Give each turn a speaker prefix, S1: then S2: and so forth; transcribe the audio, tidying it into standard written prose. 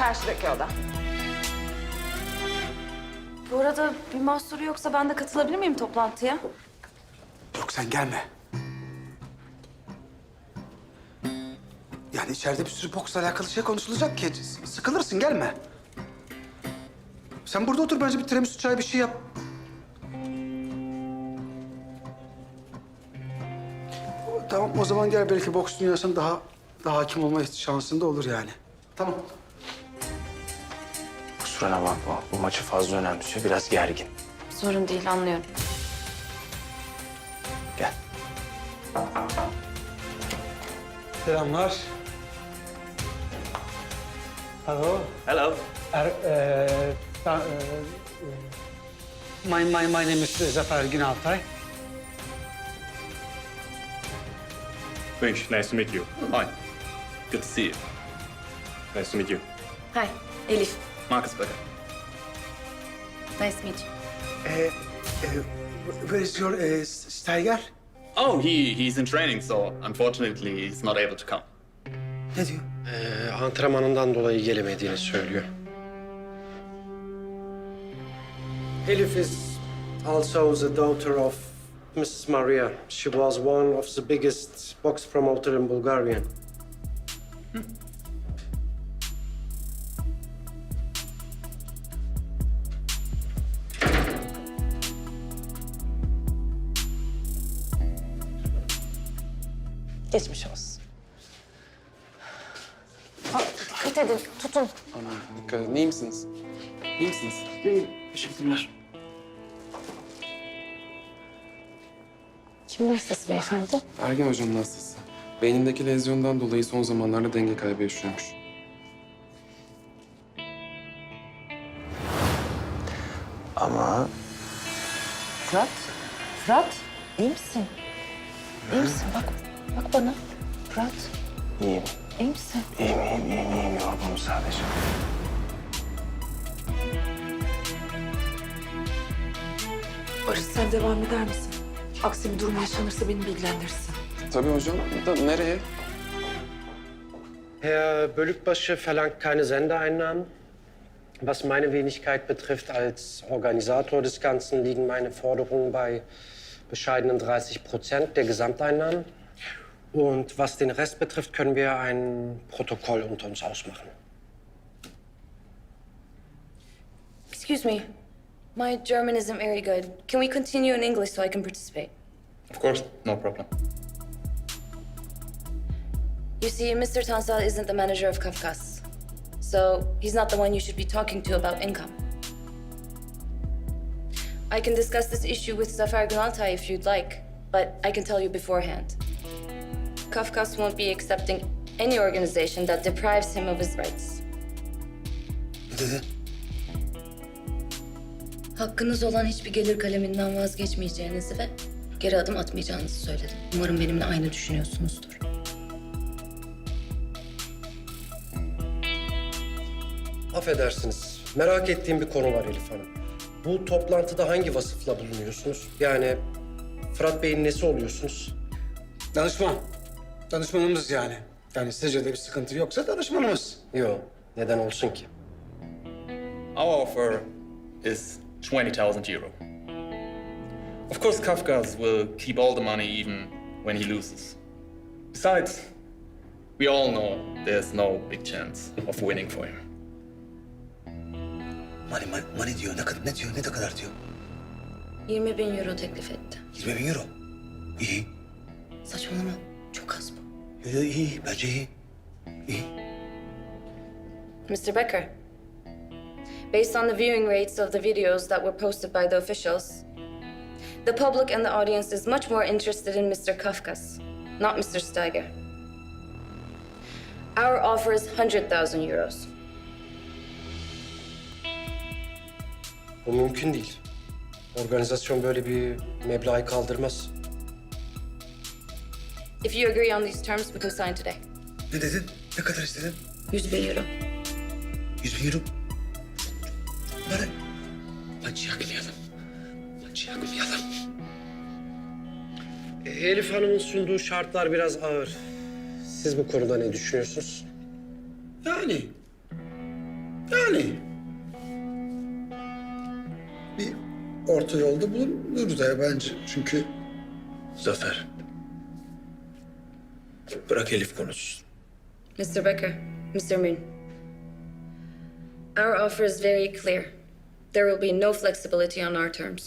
S1: Karşıdaki oda. Bu arada bir mahsuru yoksa ben de katılabilir miyim toplantıya?
S2: Yok sen gelme. Yani içeride bir sürü boksla alakalı şey konuşulacak ki. Sıkılırsın gelme. Sen burada otur bence bir tiramisu çay bir şey yap. Tamam o zaman gel belki boks dünyasına daha hakim olma şansın da olur yani. Tamam.
S3: Kusuruna bakma. Bu maçı fazla önemsiyor. Biraz gergin.
S1: Sorun değil, anlıyorum.
S3: Gel.
S2: Selamlar. Hello.
S3: Hello.
S2: My name is Zafer Günaltay.
S4: Thanks. Nice to meet you. Hi. Good to see you. Nice to meet you.
S1: Hi, Elif.
S4: Marcus Becker.
S1: Nice to meet you.
S2: Where is your Steiger?
S4: Oh, he's in training, so unfortunately he's not able to come.
S2: Ne diyor?
S5: Antrenmanından dolayı gelemediğini söylüyor. Elif is also the daughter of Mrs. Maria. She was one of the biggest box promoter in Bulgaria.
S6: Geçmiş olsun.
S1: Dikkat edin, tutun.
S7: Dikkat edin. İyi misiniz? İyi misiniz?
S3: Teşekkürler.
S6: Kimin hastası beyefendi?
S7: Ergen hocanın hastası. Beynindeki lezyondan dolayı son zamanlarda denge kaybı yaşıyormuş.
S3: Ama
S6: Fırat. Fırat, iyi misin? İyi misin? Bak bana. Fırat,
S3: iyiyim.
S6: iyi misin?
S3: İyiyim. Yorgunum sadece.
S8: Barış sen devam eder misin? Aksi bir durum yaşanırsa beni bilgilendirirsin.
S7: Tabii hocam. Da nereye?
S5: Herr Bölükbaşı verlangt keine Sendeeinnahmen. Was meine Wenigkeit betrifft, als Organisator des Ganzen liegen meine Forderungen bei bescheidenen 30% der Gesamteinnahmen. Und was den Rest betrifft, können wir ein Protokoll unter uns ausmachen.
S9: Excuse me. My German isn't very good. Can we continue in English so I can participate?
S4: Of course, no problem.
S9: You see, Mr. Tansal isn't the manager of Kafkas. So he's not the one you should be talking to about income. I can discuss this issue with Zafar Gunaltay if you'd like, but I can tell you beforehand. Kafkas won't be accepting any organization that deprives him of his rights.
S2: Ne dedi?
S9: Hakkınız olan hiçbir gelir kaleminden vazgeçmeyeceğinizi ve geri adım atmayacağınızı söyledim. Umarım benimle aynı düşünüyorsunuzdur.
S5: Affedersiniz, merak ettiğim bir konu var Elif Hanım. Bu toplantıda hangi vasıfla bulunuyorsunuz? Yani Fırat Bey'in nesi oluyorsunuz?
S2: Danışman. Danışmanımız yani. Yani sizce de bir sıkıntı yoksa danışmanımız.
S5: Yok, neden olsun ki?
S4: Our offer is 20,000 euro. Of course, Kafkas will keep all the money even when he loses. Besides, we all know there's no big chance of winning for him.
S10: Money diyor. Ne diyor? Ne kadar diyor?
S9: 20.000 euro teklif etti.
S10: 20.000 euro. İyi.
S9: Saçmalama. Çok az bu.
S10: İyi. Bence iyi. İyi.
S9: Mr. Becker, based on the viewing rates of the videos that were posted by the officials, the public and the audience is much more interested in Mr. Kafkas, not Mr. Steiger. Our offer is 100,000 euros.
S5: Bu mümkün değil. Organizasyon böyle bir meblağı kaldırmaz.
S9: If you agree on these terms, we can sign today.
S10: Ne dedin? Ne kadar istedin?
S9: 100.000 euro.
S10: 100.000 euro. Bana. Maçı yaklayalım. Maçı yaklayalım.
S5: Elif Hanım'ın sunduğu şartlar biraz ağır. Siz bu konuda ne düşünüyorsunuz?
S2: Yani Yani bir orta yolda bulunuruz ya bence. Çünkü
S10: Zafer. Bırak Elif konuşsun.
S9: Mr. Becker, Mr. Moon. Our offer is very clear. There will be no flexibility on our terms.